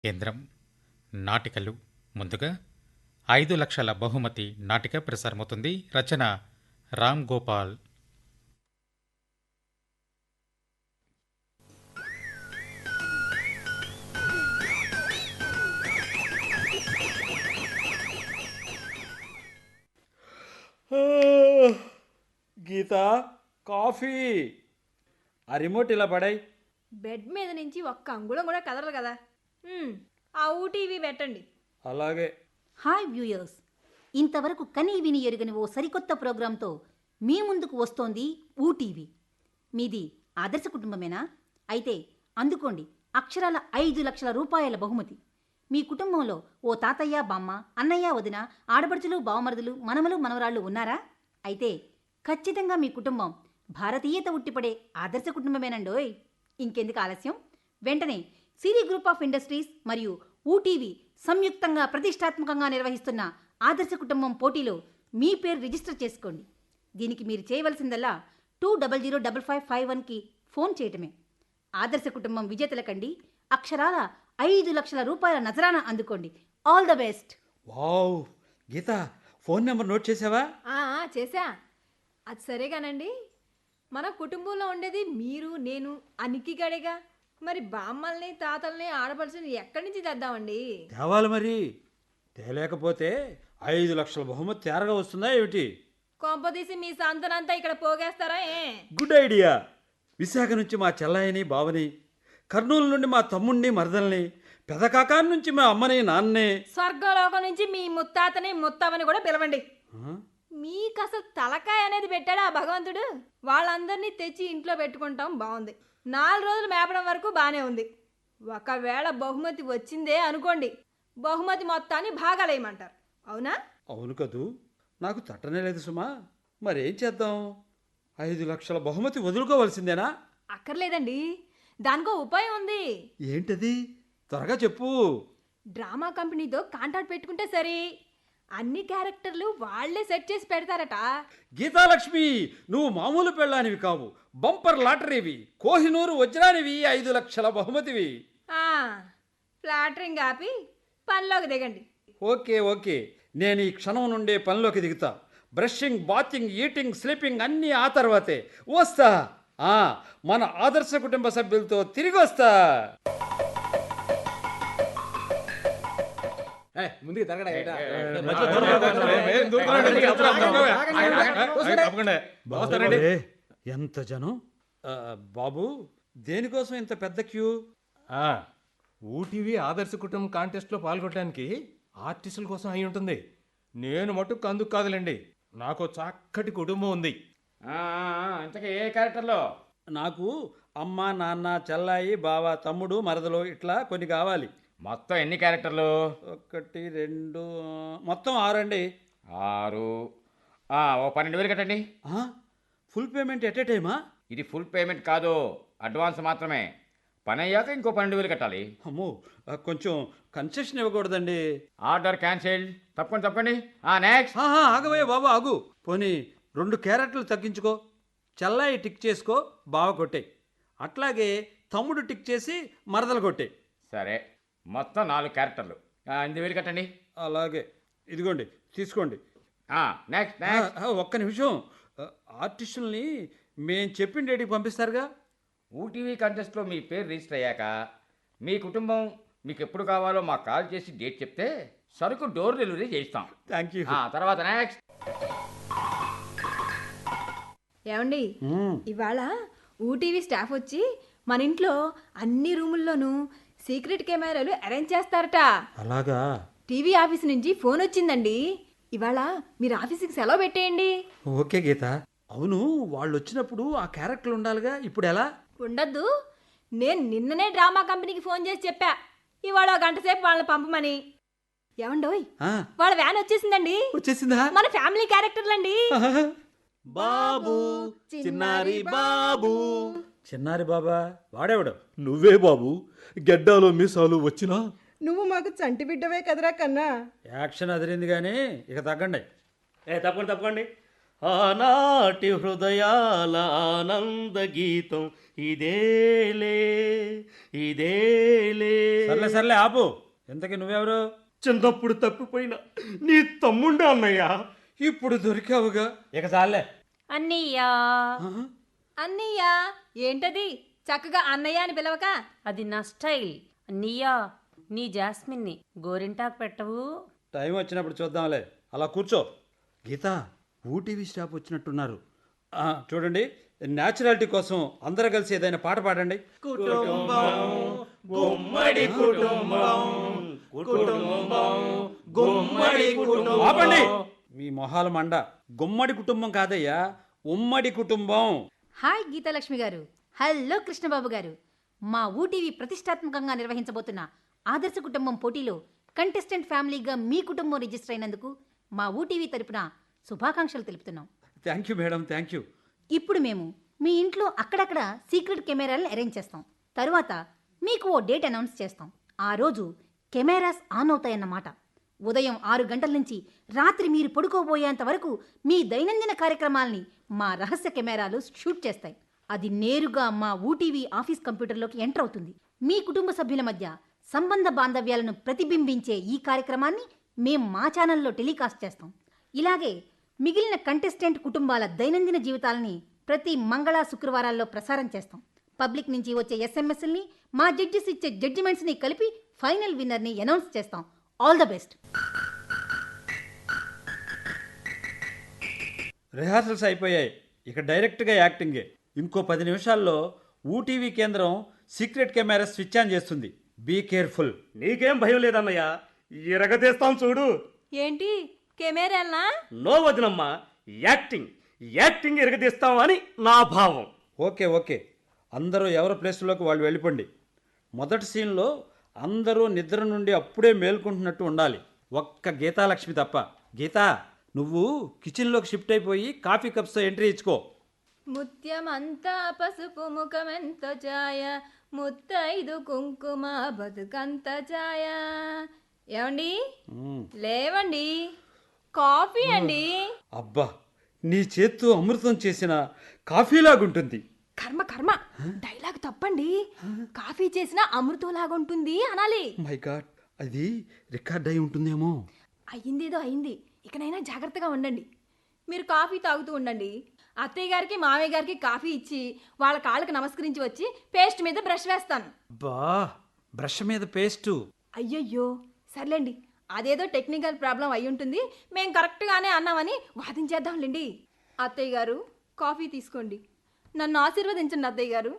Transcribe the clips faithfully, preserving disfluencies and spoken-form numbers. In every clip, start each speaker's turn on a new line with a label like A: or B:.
A: కేంద్రం నాటికలు. ముందుగా ఐదు లక్షల బహుమతి నాటిక ప్రసారమవుతుంది. రచన రామ్ గోపాల్.
B: గీత, కాఫీ. ఆ రిమోట్ ఇలా పడాయి.
C: బెడ్ మీద నుంచి ఒక్క అంగుళం కూడా కదలదు కదా. మ్మ్, ఆ ఊటీవీ పెట్టండి.
B: అలాగే.
D: హాయ్ వ్యూయర్స్, ఇంతవరకు కనీ విని ఎరుగని ఓ సరికొత్త ప్రోగ్రాంతో మీ ముందుకు వస్తోంది ఊటీవీ. మీది ఆదర్శ కుటుంబమేనా? అయితే అందుకోండి అక్షరాల ఐదు లక్షల రూపాయల బహుమతి. మీ కుటుంబంలో ఓ తాతయ్య, బామ్మ, అన్నయ్య, వదిన, ఆడపడుచులు, బావమరుదులు, మనమలు, మనవరాళ్ళు ఉన్నారా? అయితే ఖచ్చితంగా మీ కుటుంబం భారతీయత ఉట్టిపడే ఆదర్శ కుటుంబమేనండోయ్. ఇంకెందుకు ఆలస్యం, వెంటనే సిరి గ్రూప్ ఆఫ్ ఇండస్ట్రీస్ మరియు ఊటీవీ సంయుక్తంగా ప్రతిష్టాత్మకంగా నిర్వహిస్తున్న ఆదర్శ కుటుంబం పోటీలో మీ పేరు రిజిస్టర్ చేసుకోండి. దీనికి మీరు చేయవలసిందల్లా two double zero double five five వన్కి ఫోన్ చేయటమే. ఆదర్శ కుటుంబం విజేతల కండి అక్షరాల ఐదు లక్షల రూపాయల నజరానా అందుకోండి. All the best.
B: Wow, Geetha phone number note చేసావా?
C: ఆ, ఆ, చేశా. అది సరేగానండి, మన కుటుంబంలో ఉండేది మీరు, నేను, అనికి గడిగా. మరి బామ్మల్ని, తాతల్ని, ఆడపడుచుని ఎక్కడి నుంచి తెద్దామండి?
B: తేవాలి మరి. తేలేకపోతే ఐదు లక్షల బహుమతి తేరగా వస్తుందా ఏమిటి?
C: కొంపదీసి మీ సంతనంతా ఇక్కడ పోగేస్తారా ఏ?
B: Good idea. విశాఖ నుంచి మా చెల్లాయిని, బావని, కర్నూలు నుండి మా తమ్ముణ్ణి, మరదల్ని, పెదకాకాని నుంచి మా అమ్మని, నాన్నే,
C: స్వర్గలోకం నుంచి మీ ముత్తాతని, ముత్తవని కూడా పిలవండి.
B: ఆ?
C: మీకు అసలు తలకాయ అనేది పెట్టాడా ఆ భగవంతుడు? వాళ్ళందరినీ తెచ్చి ఇంట్లో పెట్టుకుంటాం బాగుంది. నాలుగు రోజులు మేపడం వరకు బాగానే ఉంది. ఒకవేళ బహుమతి వచ్చిందే అనుకోండి, బహుమతి మొత్తాన్ని భాగాలేయమంటారు. అవునా?
B: అవును కదూ, నాకు తట్టనే లేదు సుమా. మరేం చేద్దాం? ఐదు లక్షల బహుమతి వదులుకోవాల్సిందేనా?
C: అక్కర్లేదండి, దానికో ఉపాయం ఉంది.
B: ఏంటది? త్వరగా చెప్పు.
C: డ్రామా కంపెనీతో కాంటాక్ట్ పెట్టుకుంటే సరి. అన్ని క్యారెక్టర్లు వాళ్లే సెట్ చేసి పెడతారట.
B: గీతాలక్ష్మి, నువ్వు మామూలు పెళ్ళానివి కావు, బంపర్ లాటరీవి, కోహినూరు వజ్రానివి, ఐదు లక్షల బహుమతివి.
C: ఆ, ఫ్లాటరింగ్ ఆపి పనిలోకి దిగండి.
B: ఓకే ఓకే, నేను ఈ క్షణం నుండే పనిలోకి దిగుతా. బ్రషింగ్, బాతింగ్, ఈటింగ్, స్లీపింగ్ అన్నీ ఆ తర్వాతే. వస్తా. ఆ, మన ఆదర్శ కుటుంబ సభ్యులతో తిరిగి వస్తా.
E: ముందుకు తరగడా
B: అరే, ఎంత జనం! ఆ, బాబు, దేనికోసం ఇంత పెద్ద క్యూ?
E: ఊటీవీ ఆదర్శ కుటుంబం కాంటెస్ట్లో పాల్గొనడానికి ఆర్టిస్టుల కోసం అయి ఉంటుంది. నేను మటుకు అందుకు కాదులేండి, నాకు చక్కటి కుటుంబం ఉంది.
F: ఇంతకీ ఏ క్యారెక్టర్లో?
B: నాకు అమ్మ, నాన్న, చెల్లాయి, బావ, తమ్ముడు, మరదలు ఇట్లా కొన్ని కావాలి.
F: మొత్తం ఎన్ని క్యారెక్టర్లు?
B: ఒకటి, రెండు, మొత్తం ఆరండి.
F: ఆరు. ఆ, ఓ పన్నెండు వేలు కట్టండి.
B: ఆ, ఫుల్ పేమెంట్ ఎట్ ఏ టైమా?
F: ఇది ఫుల్ పేమెంట్ కాదు, అడ్వాన్స్ మాత్రమే. పని అయ్యాక ఇంకో పన్నెండు వేలు కట్టాలి.
B: అమ్మో, ఆ, కొంచెం కన్సెషన్ ఇవ్వకూడదండి?
F: Order cancel. తప్పకుండా తప్పండి. నెక్స్ట్.
B: ఆహా, ఆగవయ్య బాబు, ఆగు. పోనీ రెండు క్యారెట్లు తగ్గించుకో. చెల్లాయి టిక్ చేసుకో, బావ కొట్టే. అట్లాగే తమ్ముడు టిక్ చేసి మరదలు కొట్టే.
F: సరే, మొత్తం నాలుగు క్యారెక్టర్లు. ఆ, ఎనిమిది వేలు కట్టండి.
B: అలాగే, ఇదిగోండి తీసుకోండి.
F: నెక్స్ట్
B: ఆ,
F: నెక్స్ట్.
B: ఆ, ఒక్క నిమిషం. ఆ, ఆర్టిస్టుల్ని మేం చెప్పిన డేటికి పంపిస్తారుగా?
F: ఊటీవీ కంటెస్ట్లో మీ పేరు రిజిస్టర్ అయ్యాక మీ కుటుంబం మీకు ఎప్పుడు కావాలో మాకు కాల్ చేసి డేట్ చెప్తే సరుకు డోర్ డెలివరీ చేయిస్తాం.
B: Thank you.
F: ఆ, తర్వాత నెక్స్ట్.
C: ఏమండి, ఇవాళ ఊటీవీ స్టాఫ్ వచ్చి మన ఇంట్లో అన్ని రూముల్లోనూ సీక్రెట్ కెమెరాలు అరేంజ్ చేస్తారట.
B: అలాగా?
C: టీవీ ఆఫీస్ నుంచి ఫోన్ వచ్చిందండి. ఇవాళ మీరు ఆఫీస్కి సెలవు పెట్టేయండి.
B: ఓకే గీత. అవును, వాళ్ళు వచ్చినప్పుడు ఆ క్యారెక్టర్ ఉండాలిగా, ఇప్పుడు ఎలా?
C: ఉండద్దు. నేను నిన్ననే డ్రామా కంపెనీకి ఫోన్ చేసి చెప్పా, ఇవాళ ఒక గంట సేపు వాళ్ళని పంపమని. ఏమండోయ్,
B: ఆ,
C: వాళ్ళ వ్యాన్ వచ్చేసిందండి.
B: వచ్చేసిందా?
C: మన ఫ్యామిలీ క్యారెక్టర్లండి.
E: బాబు, చిన్నారి బాబు.
B: చిన్నారి బాబా వాడేవాడు?
G: నువ్వే బాబు, గెడ్డాలో మీసాలు వచ్చినా
H: నువ్వు మాకు చంటి బిడ్డవే కదరా కన్నా.
B: యాక్షన్ అదిరింది కానీ ఇక తగ్గండి.
I: ఏ తప్పకుండా తప్పకండి.
H: ఆనాటి హృదయాల ఆనంద గీతం ఇదేలే ఇదేలే.
B: సర్లే సర్లే ఆపు. ఎంతకి నువ్వెవరు?
H: చిన్నప్పుడు తప్పిపోయిన నీ తమ్ముండే అన్నయ్య.
B: ఇప్పుడు దొరికావుగా.
E: ఇక చాలే.
I: అన్నయ్యా.
C: అన్నయ్య ఏంటది చక్కగా అన్నయ్య అని పిలవక?
I: అది నా స్టైల్. అన్నయ్యా, నీ జాస్మిన్ని గోరింటాకు పెట్టవు?
B: టైం వచ్చినప్పుడు చూద్దాంలే. అలా కూర్చో. గీత, ఊటీవీ స్టాప్ వచ్చినట్టున్నారు. ఆ, చూడండి, న్యాచురాలిటీ కోసం అందరూ కలిసి ఏదైనా పాట పాడండి.
H: కుటుంబం గుమ్మడి కుటుంబం కుటుంబం గుమ్మడి కుటుంబం.
B: ఆపండి మీ మొహాల మండ. గుమ్మడి కుటుంబం కాదయ్యా, ఉమ్మడి కుటుంబం.
D: హాయ్ గీతాలక్ష్మి గారు. హలో కృష్ణబాబు గారు. మా ఊటీవీ ప్రతిష్టాత్మకంగా నిర్వహించబోతున్న ఆదర్శ కుటుంబం పోటీలో కంటెస్టెంట్ ఫ్యామిలీగా మీ కుటుంబం రిజిస్టర్ అయినందుకు మా ఊటీవీ తరపున శుభాకాంక్షలు తెలుపుతున్నాం.
B: Thank you madam, thank you.
D: ఇప్పుడు మేము మీ ఇంట్లో అక్కడక్కడ సీక్రెట్ కెమెరాలను అరేంజ్ చేస్తాం. తరువాత మీకు ఓ డేట్ అనౌన్స్ చేస్తాం. ఆ రోజు కెమెరాస్ ఆన్ అవుతాయన్నమాట. ఉదయం ఆరు గంటల నుంచి రాత్రి మీరు పడుకోబోయేంత వరకు మీ దైనందిన కార్యక్రమాల్ని మా రహస్య కెమెరాలు షూట్ చేస్తాయి. అది నేరుగా మా ఊటీవీ ఆఫీస్ కంప్యూటర్లోకి ఎంటర్ అవుతుంది. మీ కుటుంబ సభ్యుల మధ్య సంబంధ బాంధవ్యాలను ప్రతిబింబించే ఈ కార్యక్రమాన్ని మేం మా ఛానల్లో టెలికాస్ట్ చేస్తాం. ఇలాగే మిగిలిన కంటెస్టెంట్ కుటుంబాల దైనందిన జీవితాలని ప్రతి మంగళ శుక్రవారాల్లో ప్రసారం చేస్తాం. పబ్లిక్ నుంచి వచ్చే ఎస్ఎంఎస్ని మా జడ్జెస్ ఇచ్చే జడ్జిమెంట్స్ని కలిపి ఫైనల్ విన్నర్ని అనౌన్స్ చేస్తాం. All the best.
B: రిహార్సల్స్ అయిపోయాయి. ఇక డైరెక్ట్గా యాక్టింగే. ఇంకో పది నిమిషాల్లో ఊటీవీ కేంద్రం సీక్రెట్ కెమెరా స్విచ్ ఆన్ చేస్తుంది. Be careful.
H: నీకేం భయం లేదన్నయ్య, ఎరగదీస్తాం చూడు.
C: ఏంటి కెమెరాలనా?
H: నో వదినమ్మా, యాక్టింగ్ యాక్టింగ్ ఎరగదీస్తాం అని నా భావం.
B: ఓకే ఓకే, అందరూ ఎవరి ప్లేస్లోకి వాళ్ళు వెళ్ళిపోండి. మొదటి సీన్లో అందరూ నిద్ర నుండి అప్పుడే మేల్కొంటున్నట్టు ఉండాలి, ఒక్క గీతాలక్ష్మి తప్ప. గీతా, నువ్వు కిచెన్లోకి షిఫ్ట్ అయిపోయి కాఫీ కప్స్తో ఎంట్రీ ఇచ్చుకో.
C: ముత్యమంతా పసుపు ముఖమెంత ఛాయ, ముత్తైదు కుంకుమ బతుకంత ఛాయ. ఏమండి లేవండి, కాఫీ అండి.
B: అబ్బా, నీ చేత్తో అమృతం చేసిన కాఫీలాగుంటుంది.
C: కర్మ కర్మ, డైలాగ్ తప్పండి. కాఫీ చేసిన అమృతంలాగుంటుంది అనాలి.
B: మై గాడ్, అది రికార్డ్ అయి ఉంటుందేమో.
C: అయ్యిందేదో అయింది, ఇకనైనా జాగ్రత్తగా ఉండండి. మీరు కాఫీ తాగుతూ ఉండండి. అత్తయ్య గారికి మామయ్య గారికి కాఫీ ఇచ్చి వాళ్ళ కాళ్ళకి నమస్కరించి వచ్చి పేస్ట్ మీద బ్రష్ వేస్తాను.
B: బా, బ్రష్ మీద పేస్టు.
C: అయ్యయ్యో, సర్లేండి, అదేదో టెక్నికల్ ప్రాబ్లం అయి ఉంటుంది. మేం కరెక్ట్గానే అన్నామని వాదించేద్దాంలేండి. అత్తయ్య గారు కాఫీ తీసుకోండి. నన్ను ఆశీర్వదించండి అత్తయ్య గారు.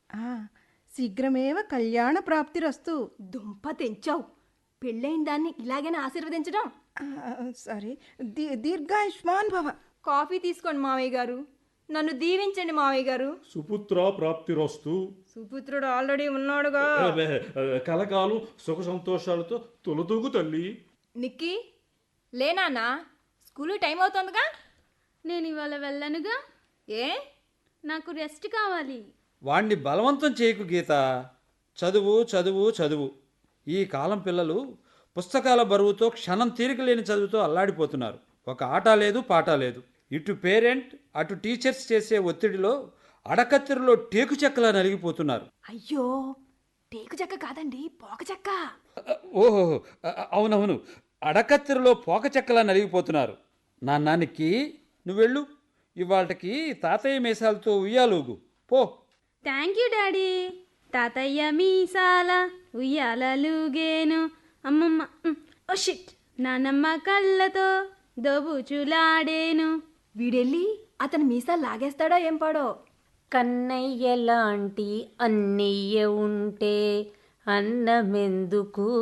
J: శీఘ్రమేవ కళ్యాణ ప్రాప్తిరస్తు.
C: దుంప తెంచావు, పెళ్ళైన దాన్ని ఇలాగైనా ఆశీర్వదించడం?
J: సరే, దీ దీర్ఘాయుష్మాన్ భవ.
C: కాఫీ తీసుకోండి మావయ్య గారు. నన్ను దీవించండి మావయ్య గారు.
G: సుపుత్ర ప్రాప్తిరస్తు.
C: సుపుత్రుడు ఆల్రెడీ ఉన్నాడుగా.
G: కలకాలం సుఖ సంతోషాలతో తొలతూగు తల్లి.
C: నిక్కీ, లేనానా, స్కూలు టైం అవుతుందిగా.
K: నేను ఇవాళ వెళ్ళనుగా.
C: ఏ?
K: నాకు రెస్ట్ కావాలి.
B: వాణ్ణి బలవంతం చేయకు గీత. చదువు చదువు చదువు. ఈ కాలం పిల్లలు పుస్తకాల బరువుతో క్షణం తీరిక లేని చదువుతో అల్లాడిపోతున్నారు. ఒక ఆట లేదు, పాట లేదు. ఇటు పేరెంట్ అటు టీచర్స్ చేసే ఒత్తిడిలో అడకత్తెరలో టేకు చెక్కలా నలిగిపోతున్నారు.
C: అయ్యో, టేకు చెక్క కాదండి, పోక చెక్క.
B: ఓహో, అవునవును, అడకత్తెరలో పోక చెక్కలా నలిగిపోతున్నారు. నాన్నానికి నువ్వెళ్ళు, ఇవాళకి తాతయ్య మీసాలతో ఉయ్యాలుగు పో.
K: Thank you daddy. తాతయ్య మీసాల ఉయ్యాలలుగేను, అమ్మమ్మ ఓ షిట్ నానమ్మ కళ్ళతో దోబుచులాడేను.
C: వీడెళ్ళి అతని మీసాలు లాగేస్తాడో ఏం పాడో.
I: కన్నయ్య లాంటి అన్నయ్య ఉంటే అన్నమెందుకు?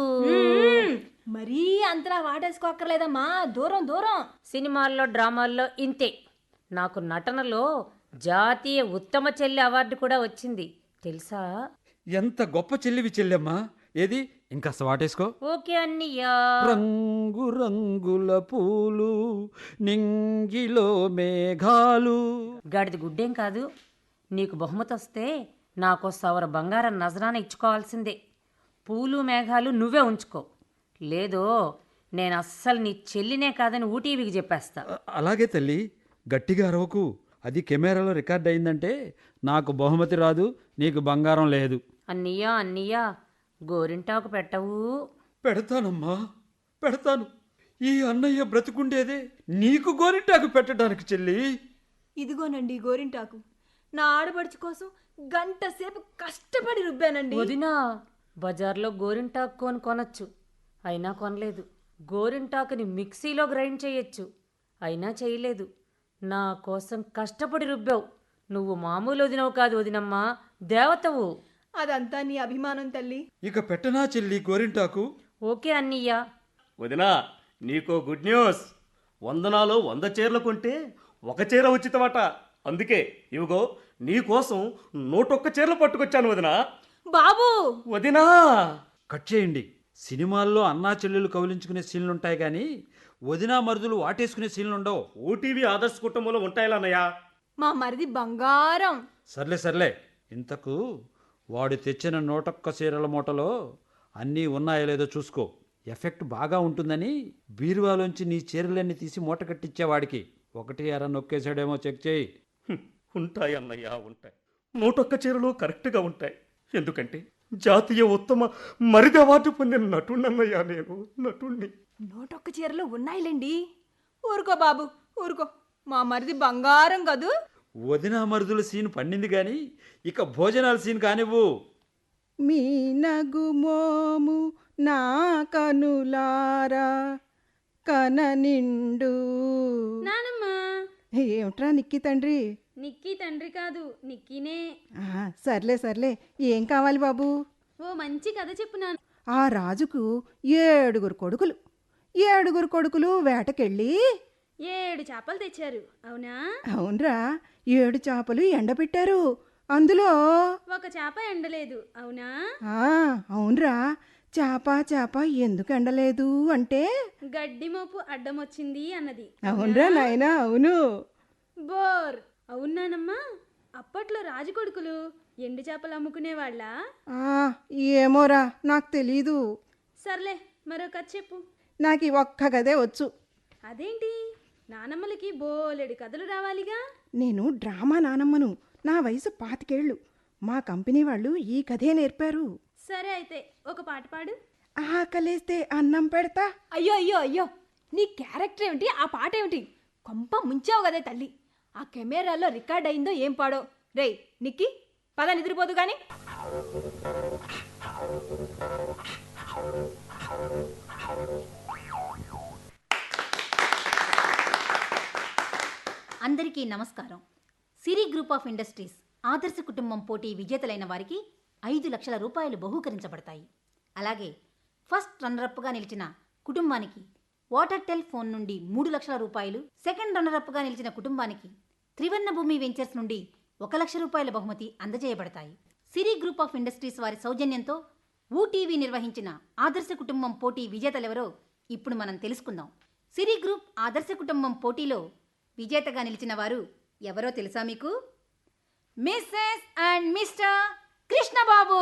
C: మరీ అంతలా వాటేసుకోక్కర్లేదమ్మా, దూరం దూరం.
I: సినిమాల్లో డ్రామాల్లో ఇంతే. నాకు నటనలో జాతీయ ఉత్తమ చెల్లి అవార్డు కూడా వచ్చింది తెలుసా?
B: ఎంత గొప్ప చెల్లివి చెల్లెమ్మా. ఏది ఇంకాస్త వాటేసుకో.
I: ఓకే అన్నయ్యా.
B: రంగు రంగుల పూలు నింగిలో మేఘాలు.
I: గాడిది గుడ్డేం కాదు. నీకు బహుమతి వస్తే నాకు సవర బంగారం నజరాన ఇచ్చుకోవాల్సిందే. పూలు మేఘాలు నువ్వే ఉంచుకో, లేదో నేను అస్సలు నీ చెల్లినే కాదని ఊటీవీకి చెప్పేస్తా.
B: అలాగే తల్లి, గట్టిగా అరవకు. అది కెమెరాలో రికార్డ్ అయిందంటే నాకు బహుమతి రాదు, నీకు బంగారం లేదు.
I: అన్నయ్య అన్నయ్య గోరింటాకు పెట్టవు.
B: పెడతానమ్మా, పెడతాను. ఈ అన్నయ్య బ్రతుకుండేదే నీకు గోరింటాకు పెట్టడానికి చెల్లి.
C: ఇదిగోనండి గోరింటాకు. నా ఆడపడుచు కోసం గంట సేపు కష్టపడి రుబ్బానండి.
I: వదినా, బజార్లో గోరింటాకు కొని కొనొచ్చు, అయినా కొనలేదు. గోరింటాకుని మిక్సీలో గ్రైండ్ చేయొచ్చు, అయినా చేయలేదు. నా కోసం కష్టపడి రుబ్బావు. నువ్వు మామూలు వదినవు కాదు వదినమ్మా, దేవతవు.
C: అదంతా నీ అభిమానం తల్లి.
B: ఇక పెట్టనా చెల్లి గోరింటాకు?
I: ఓకే అన్నయ్య.
H: వదినా, నీకో గుడ్ న్యూస్. వందనాలో వంద చీరలు కొంటే ఒక చీర ఉచితమట. అందుకే ఇవిగో నీకోసం నూటొక్క చీరలు పట్టుకొచ్చాను వదినా.
C: బాబు
H: వదినా,
B: కట్ చేయండి. సినిమాల్లో అన్నా చెల్లెలు కౌలించుకునే సీన్లుంటాయి కానీ వదినా మరుదులు వాటేసుకునే సీన్లుండవు.
H: ఓటీవీ ఆదర్శ కుటుంబంలో ఉంటాయిలా అన్నయ్య.
C: మా మరిది బంగారం.
B: సర్లే సర్లే, ఇంతకు వాడు తెచ్చిన నూటొక్క చీరల మూటలో అన్నీ ఉన్నాయో లేదో చూసుకో. ఎఫెక్ట్ బాగా ఉంటుందని బీరువాలోంచి నీ చీరలన్నీ తీసి మూట కట్టించేవాడికి ఒకటి అర నొక్కేసాడేమో చెక్ చేయి.
H: హ్మ్, ఉంటాయి అన్నయ్య, ఉంటాయి. నూటొక్క చీరలు కరెక్ట్గా ఉంటాయి. ఎందుకంటే జాతీయ ఉత్తమ మరిది అవార్డు పొందిన నటున్నయ్యా నేను, నటుణ్ణి.
C: నూటొక్క చీరలు ఉన్నాయిలేండి. ఊరుకో బాబు ఊరుకో, మా మరిది బంగారం కదూ.
B: వదినా మరుదుల సీన్ పండింది కానీ ఇక భోజనాల సీన్ కానివ్వు.
J: మీ నగుమోము నా కనులారా కన నిండు.
K: నానమ్మ,
J: ఏమిట్రా నిక్కి తండ్రి?
K: నిక్కీ తండ్రి కాదు, నిక్కీనే.
J: ఆ, సర్లే సర్లే, ఏం కావాలి బాబు?
K: ఓ మంచి కథ చెప్పు నాన్న.
J: ఆ రాజుకు ఏడుగురు కొడుకులు. ఏడుగురు కొడుకులు వేటకెళ్ళి
K: ఏడు చేపలు తెచ్చారు, అవునా?
J: అవునరా, ఏడు చేపలు ఎండబెట్టారు. అందులో
K: ఒక చేప ఎండలేదు, అవునా?
J: ఆ అవునరా, చేప చేప ఎందుకు ఎండలేదు అంటే
K: గడ్డి మోపు అడ్డం వచ్చింది అన్నది.
J: అవునరా నాయనా, అవును.
K: బోర్. అవునానమ్మా, అప్పట్లో రాజు కొడుకులు ఎండు చేపలు అమ్ముకునేవాళ్ళ?
J: ఆ, ఏమోరా, నాకు తెలీదు.
K: సర్లే, మరో కథ చెప్పు.
J: నాకు ఈ ఒక్క గదే వచ్చు.
K: అదేంటి, నానమ్మలకి బోలెడు కథలు రావాలిగా.
J: నేను డ్రామా నానమ్మను. నా వయసు పాతికేళ్ళు. మా కంపెనీ వాళ్ళు ఈ కథే నేర్పారు.
K: సరే అయితే ఒక పాట పాడు.
J: ఆకలేస్తే అన్నం పెడతా.
C: అయ్యో అయ్యో అయ్యో, నీ క్యారెక్టర్ ఏమిటి, ఆ పాట ఏమిటి? కొంప ముంచావు కదే తల్లి. ఆ కెమెరాలో రికార్డ్ అయిందో ఏం పాడో. రేయ్ నిక్కి, పద నిద్రపోదు కానీ.
D: అందరికీ నమస్కారం. సిరి గ్రూప్ ఆఫ్ ఇండస్ట్రీస్ ఆదర్శ కుటుంబం పోటీ విజేతలైన వారికి ఐదు లక్షల రూపాయలు బహూకరించబడతాయి. అలాగే ఫస్ట్ రన్నరప్గా నిలిచిన కుటుంబానికి వాటర్ టెల్ ఫోన్ నుండి మూడు లక్షల రూపాయలు, సెకండ్ రన్నరప్గా నిలిచిన కుటుంబానికి త్రివర్ణ భూమి వెంచర్స్ నుండి ఒక లక్ష రూపాయల బహుమతి అందజేయబడతాయి. సిరి గ్రూప్ ఆఫ్ ఇండస్ట్రీస్ వారి సౌజన్యంతో ఊటీవీ నిర్వహించిన ఆదర్శ కుటుంబం పోటీ విజేతలెవరో ఇప్పుడు మనం తెలుసుకుందాం. సిరి గ్రూప్ ఆదర్శ కుటుంబం పోటీలో విజేతగా నిలిచిన వారు ఎవరో తెలుసా మీకు? Mrs and mister Krishnababu.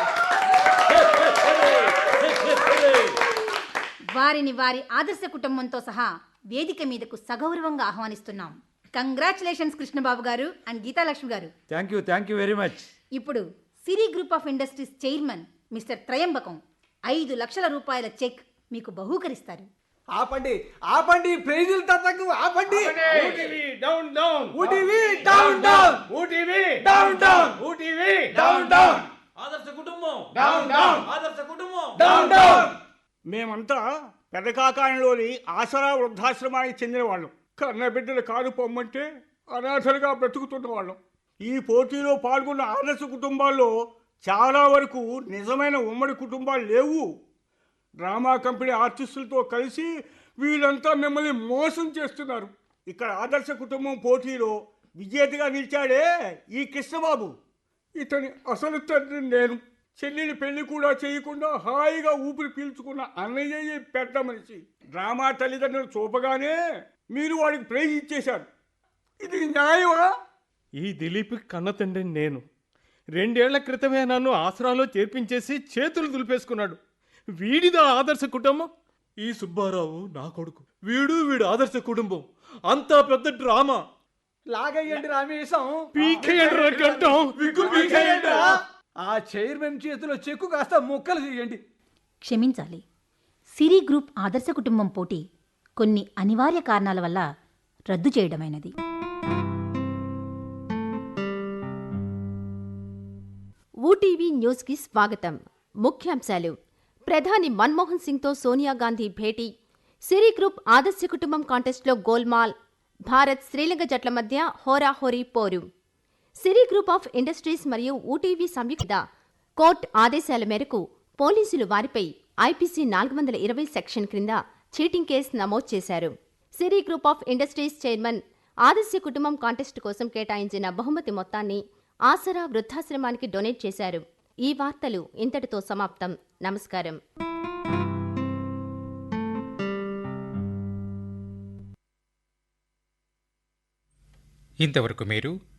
D: వారిని వారి ఆదర్శ కుటుంబంతో సహా వేదిక మీదకు సగౌరవంగా ఆహ్వానిస్తున్నాం. కంగ్రాచులేషన్స్ కృష్ణబాబు గారు అండ్ గీతాలక్ష్మి గారు.
B: Thank you thank you very much.
D: ఇప్పుడు Siri group of industries chairman mister Trayambakam ఐదు లక్షల రూపాయల చెక్ మీకు బహూకరిస్తారు.
L: ఆపండి ఆపండి, ప్రైజుల తతకు ఆపండి.
E: UTV down down,
L: UTV down down,
E: UTV
L: down down,
E: UTV
L: down down,
G: ఆదర్శ కుటుంబం
E: డౌన్ డౌన్,
G: ఆదర్శ కుటుంబం
L: డౌన్ డౌన్.
M: మేమంతా పెదకాకాయంలోని ఆసరా వృద్ధాశ్రమానికి చెందిన వాళ్ళం. కన్న బిడ్డలు కారు పొమ్మంటే అనాథలుగా బ్రతుకుతున్న వాళ్ళం. ఈ పోటీలో పాల్గొన్న ఆదర్శ కుటుంబాల్లో చాలా వరకు నిజమైన ఉమ్మడి కుటుంబాలు లేవు. డ్రామా కంపెనీ ఆర్టిస్టులతో కలిసి వీళ్ళంతా మిమ్మల్ని మోసం చేస్తున్నారు. ఇక్కడ ఆదర్శ కుటుంబం పోటీలో విజేతగా నిలిచాడే ఈ కృష్ణబాబు. ఇతని అసలు తండ్రి నేను. చెల్లిని పెళ్లి కూడా చేయకుండా హాయిగా ఊపిరి పీల్చుకున్న అన్నయ్య పెద్ద మనిషి. డ్రామా తల్లిదండ్రులు చూపగానే మీరు వాడికి ప్రైజ్ ఇచ్చేశారు. ఇది న్యాయమా?
E: ఈ దిలీప్ కన్న తండ్రిని నేను. రెండేళ్ల క్రితమే నన్ను ఆసరాలో చేర్పించేసి చేతులు దులిపేసుకున్నాడు. వీడిదా ఆదర్శ కుటుంబం?
G: ఈ సుబ్బారావు నా కొడుకు, వీడు వీడు ఆదర్శ కుటుంబం. అంతా పెద్ద డ్రామా.
L: లాగయ్యండి రామేశం.
E: పీకేయండి రా గడ్డం.
L: విగ్గు పీకేయండి రా. ఆ చైర్మన్ చేతిలో చెక్కు కాస్త ముక్కలు చేయండి.
D: క్షమించాలి. సిరి గ్రూప్ ఆదర్శ కుటుంబం పోటీ కొన్ని అనివార్య కారణాల వల్ల రద్దు చేయడమైనది.
N: ఊటీవీ న్యూస్కి స్వాగతం. ముఖ్యాంశాలు: ప్రధాని మన్మోహన్ సింగ్తో సోనియా గాంధీ భేటీ, సిరి గ్రూప్ ఆదర్శ కుటుంబం కాంటెస్ట్లో గోల్మాల్, భారత్ శ్రీలంక జట్ల మధ్య హోరాహోరీ పోరు. సిరి గ్రూప్ ఆఫ్ ఇండస్ట్రీస్ మరియు ఊటీవీ సంయుక్త కోర్టు ఆదేశాల మేరకు పోలీసులు వారిపై ఐపీసీ నాలుగు వందల ఇరవై సెక్షన్ క్రింద చీటింగ్ కేసు నమోదు చేశారు. Siri group of industries chairman ఆదర్శ కుటుంబం కాంటెస్ట్ కోసం కేటాయించిన బహుమతి మొత్తాన్ని ఆసరా వృద్ధాశ్రమానికి డొనేట్ చేశారు. ఈ వార్తలు ఇంతటితో సమాప్తం. నమస్కారం.
A: ఇంతవరకు మీరు